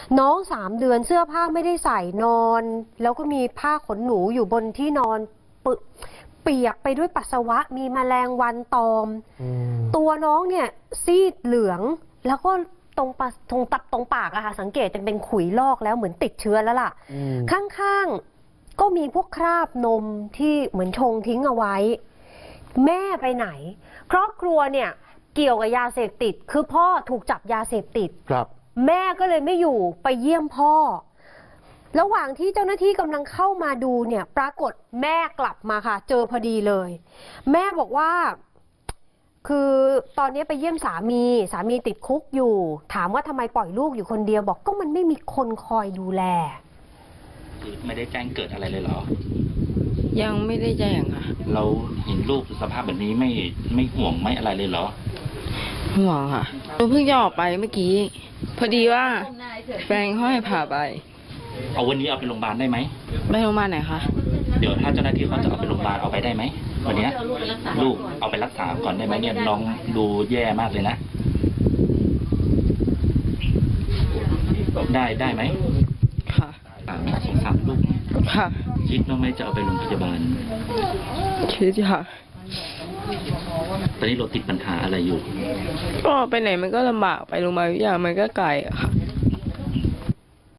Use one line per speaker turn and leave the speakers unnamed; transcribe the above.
น้อง3 เดือนเสื้อผ้าไม่ได้ใส่นอน แล้วก็มีผ้าขนหนูอยู่บนที่นอนเปียกไปด้วยปัสสาวะมีแมลงวันตอมตัวน้องเนี่ยซีดเหลืองแล้วก็ตรงปากอะค่ะสังเกตจะเป็นขุยลอกแล้วเหมือนติดเชื้อแล้วล่ะข้างๆก็มีพวกคราบนมที่เหมือนชงทิ้งเอาไว้แม่ไปไหนครอบครัวเนี่ยเกี่ยวกับยาเสพติดคือพ่อถูกจับยาเสพติดครับแม่ก็เลยไม่อยู่ไปเยี่ยมพ่อระหว่างที่เจ้าหน้าที่กำลังเข้ามาดูเนี่ยปรากฏแม่กลับมาค่ะเจอพอดีเลยแม่บอกว่าคือตอนนี้ไปเยี่ยมสามีติดคุกอยู่ถามว่าทำไมปล่อยลูกอยู่คนเดียวบอกก็มันไม่มีคนคอยดูแล
ไม่ได้แจ้งเกิดอะไรเลยเหรอ
ยังไม่ได้แจ้งค่ะ
เราเห็นลูกสภาพแบบนี้ไม่ห่วงไม่อะไรเลยเหรอ
ห่วงค่ะเราเพิ่งจะออกไปเมื่อกี้พอดีว่าแฟนเขาให้พาไป
เอาวันนี้เอาไปโรงพยาบาลได้ไหม
ไปโรงพยาบาลไหนคะ
เดี๋ยวถ้าเจ้าหน้าที่เขาจะเอาไปโรงพยาบาลเอาไปได้ไหมวันนี้ลูกเอาไปรักษาก่อนได้ไหมเนี่ยน้องดูแย่มากเลยนะได้ไหม
ค่ะ
สงสารลูก
ค่ะ
คิดว่าไหมจะเอาไปโรงพยาบาล
คิดค่ะ
ตอนนี้เราติดปัญหาอะไรอยู่
ก็ไปไหนมันก็ลำบากไปโรงพยาบาลมันก็ไกลอะค่ะ